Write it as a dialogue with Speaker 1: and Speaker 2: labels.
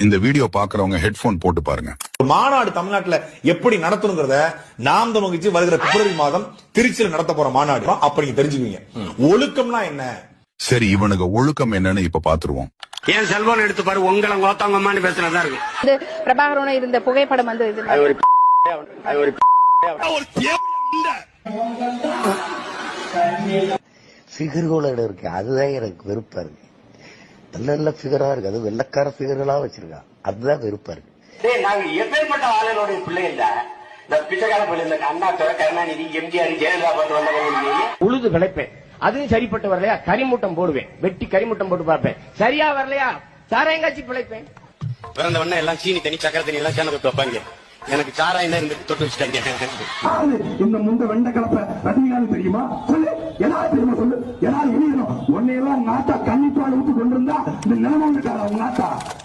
Speaker 1: இந்த வீடியோ பாக்குறவங்க ஹெட்போன் போட்டு பாருங்க.
Speaker 2: மாநாடு தமிழ்நாட்டுல எப்படி நடத்தணுங்கிறத நாம் தமிழ்ச்சி வருகிற பிப்ரவரி மாதம் திருச்சியில் நடத்த போற மாநாடு அப்ப நீங்க தெரிஞ்சுக்குவீங்க. ஒழுக்கம்னா என்ன?
Speaker 1: சரி, இவனுக்கு ஒழுக்கம் என்னன்னு இப்ப பாத்துருவோம்.
Speaker 3: ஏன் செல்போன் எடுத்து பாரு, உங்களை கோத்தாங்கம்மான்னு பேசுறதா இருக்கு.
Speaker 4: பிரபாகரனோட இருந்த புகைப்படம் வந்து
Speaker 5: ஃபிகர்களோட இருக்கு, அதுதான் எனக்கு வெறுப்பா இருக்கு. நல்ல நல்ல ஃபிகரா இருக்கு, அது வெள்ளக்கார ஃபிகர்களா வச்சிருக்கா, அதுதான் வெறுப்பா இருக்கு.
Speaker 3: நாங்க எப்பேற்பட்ட ஆளுநருடைய பிள்ளை இல்ல, இந்த பிச்சைக்கார பிள்ளை இல்ல, அண்ணா துறை, கருணாநிதி, எம்ஜிஆர், ஜெயலலிதா பார்த்து வந்தவங்க. உழுது விளைப்பேன், அதுவும் சரிப்பட்டு வரலையா கரிமூட்டம் போடுவேன், வெட்டி கரிமூட்டம் போட்டு பார்ப்பேன். சரியா வரலையா சாராயங்காட்சி பிழைப்பேன். பிறந்த உடனே எல்லாம் சீனி தண்ணி சக்கரை தண்ணி எல்லாம் சேர்ந்து வைப்பாங்க. எனக்கு சாராயம் தான் இருந்து தொட்டு வச்சுட்டாங்க.
Speaker 6: இந்த முந்த வெண்ட கலப்ப ரஜினிகாந்த் தெரியுமா? சொல்லு, எல்லாரும் தெரியுமா? சொல்லு, எல்லாரும் எழுதணும். உன்னையெல்லாம் நாட்டா கன்னிப்பால் ஊத்து கொண்டிருந்தா இந்த நிலைமை உங்க நாட்டா